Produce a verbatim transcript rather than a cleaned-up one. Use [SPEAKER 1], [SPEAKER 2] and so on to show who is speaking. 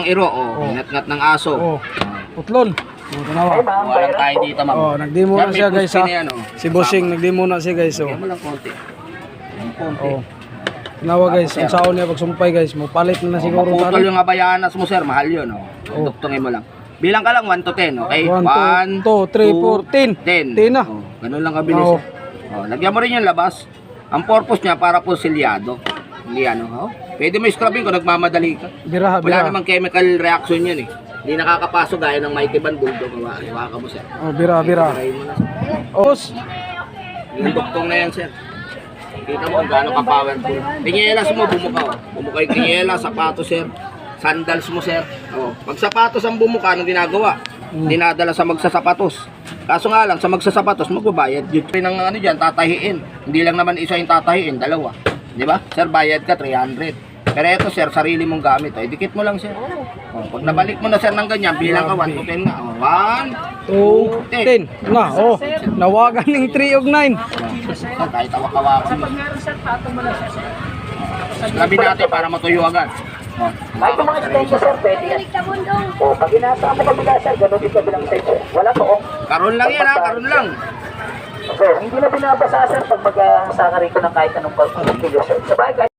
[SPEAKER 1] iro, oh.
[SPEAKER 2] Oh.
[SPEAKER 1] Ngat-ngat ng aso.
[SPEAKER 2] Oh. Putlon. Oh, tanawa.
[SPEAKER 1] Walang tayo dito, ma'am.
[SPEAKER 2] Oh, nagdemo
[SPEAKER 1] Yan,
[SPEAKER 2] na
[SPEAKER 1] may
[SPEAKER 2] siya guys
[SPEAKER 1] pusti
[SPEAKER 2] ha.
[SPEAKER 1] na yan, oh.
[SPEAKER 2] Si Bossing nagdemo na siya guys oh.
[SPEAKER 1] Lagyan mo lang konti. Ang konti.
[SPEAKER 2] Oh. Tanawa guys, kung saan niya pagsumpay guys, mo palit na na siguro
[SPEAKER 1] Maputol
[SPEAKER 2] tani.
[SPEAKER 1] yung abayanas mo, sir. Mahal yun, oh.
[SPEAKER 2] Oh.
[SPEAKER 1] Duktungin mo lang. Bilang ka lang, one to ten, okay?
[SPEAKER 2] one, two, three, four, ten.
[SPEAKER 1] ten.
[SPEAKER 2] ten na.
[SPEAKER 1] Oh, ganun lang kabilis.
[SPEAKER 2] Oh.
[SPEAKER 1] Oh, lagyan mo rin yung labas. Ang purpose niya para po silyado. Hindi ano, oh. Pwede mo scrubbing kung nagmamadali ka.
[SPEAKER 2] Biraha,
[SPEAKER 1] Wala
[SPEAKER 2] biraha.
[SPEAKER 1] namang chemical reaction yan eh. Hindi nakakapasok gaya ng Mighty Band Bulldog. Hawa ka mo, sir.
[SPEAKER 2] Oh, biraha, biraha.
[SPEAKER 1] Try mo na, sir.
[SPEAKER 2] Oh, boss.
[SPEAKER 1] Yung duktong na yan, sir. Kita mo kung gaano ka-powerful. Tinyelas mo, bumuka. Oh. Bumuka yung tinyelas, sapatos, sir. Sandals mo, sir. Oh. Pag sapatos ang bumuka, anong ginagawa?
[SPEAKER 2] Hmm.
[SPEAKER 1] Dinadala sa magsasapatos. Kaso nga lang, sa magsasapatos, magbabayad. Yung rin ng ano dyan, tatahiin. Hindi lang naman isa yung tatahiin, dalawa. Di ba? Sir, bayad ka, three hundred. Pero ito, sir, sarili mong gamit. Oh. Idikit mo lang, sir. Oh. Pag nabalik mo na, sir, ng ganyan, bilang ka one to ten nga. Oh. one, two, ten.
[SPEAKER 2] ten. Na, oh. Nawagan ng three of nine.
[SPEAKER 1] Oh, kahit awak-awakan mo. Labi natin para matuyo agad. Oh.
[SPEAKER 3] Kahit yung mga extension sir, pwede yan. O, pag inasa mo kabila sir, ganun din kabilang extension. Wala to, oh.
[SPEAKER 1] Karon lang yan, ha? Karon lang.
[SPEAKER 3] Sir, hindi na binabasa sir pag mag-saka rin ko ng kahit anong pag-kilo sir. Sabay,